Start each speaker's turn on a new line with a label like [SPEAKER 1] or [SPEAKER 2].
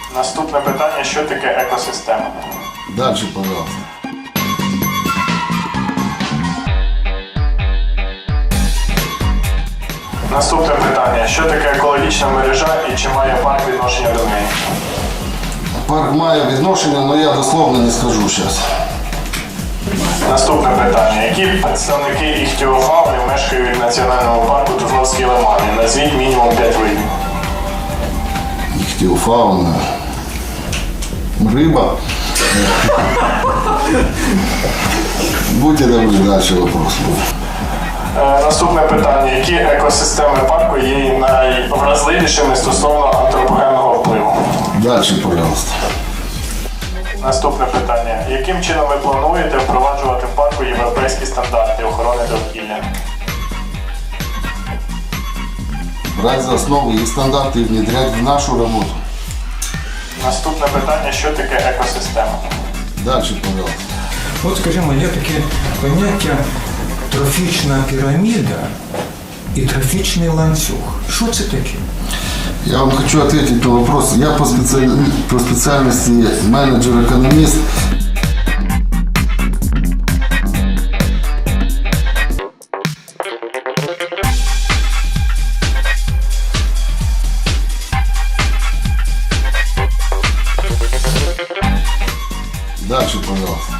[SPEAKER 1] Наступне питання, що таке екосистема?
[SPEAKER 2] Дальше, пожалуйста.
[SPEAKER 1] Наступне питання, що таке екологічна мережа і чи має парк відношення до неї?
[SPEAKER 2] Парк має відношення, але я дословно не скажу зараз.
[SPEAKER 1] Наступне питання, які представники іхтіофауни мешкають в національному парку Туфновські лимани? Назвіть мінімум 5 видів.
[SPEAKER 2] Іхтіофауна. Рыба. Будьте добры, дальше вопрос.
[SPEAKER 1] Наступне питання, які екосистеми парку є найвразливішими стосовно антропогенного впливу?
[SPEAKER 2] Дальше, пожалуйста.
[SPEAKER 1] Наступне питання, яким чином ви плануєте впроваджувати в парку європейські стандарти охорони довкілля?
[SPEAKER 2] Брать за основу их стандарты и внедрять в нашу работу.
[SPEAKER 1] Наступне питання, що таке екосистема?
[SPEAKER 2] Дальше, пожалуйста.
[SPEAKER 3] От, скажімо, є таке поняття трофічна піраміда і трофічний ланцюг. Що це таке?
[SPEAKER 2] Я вам хочу ответить на вопрос. Я по специальности менеджер-экономист. Дальше, пожалуйста.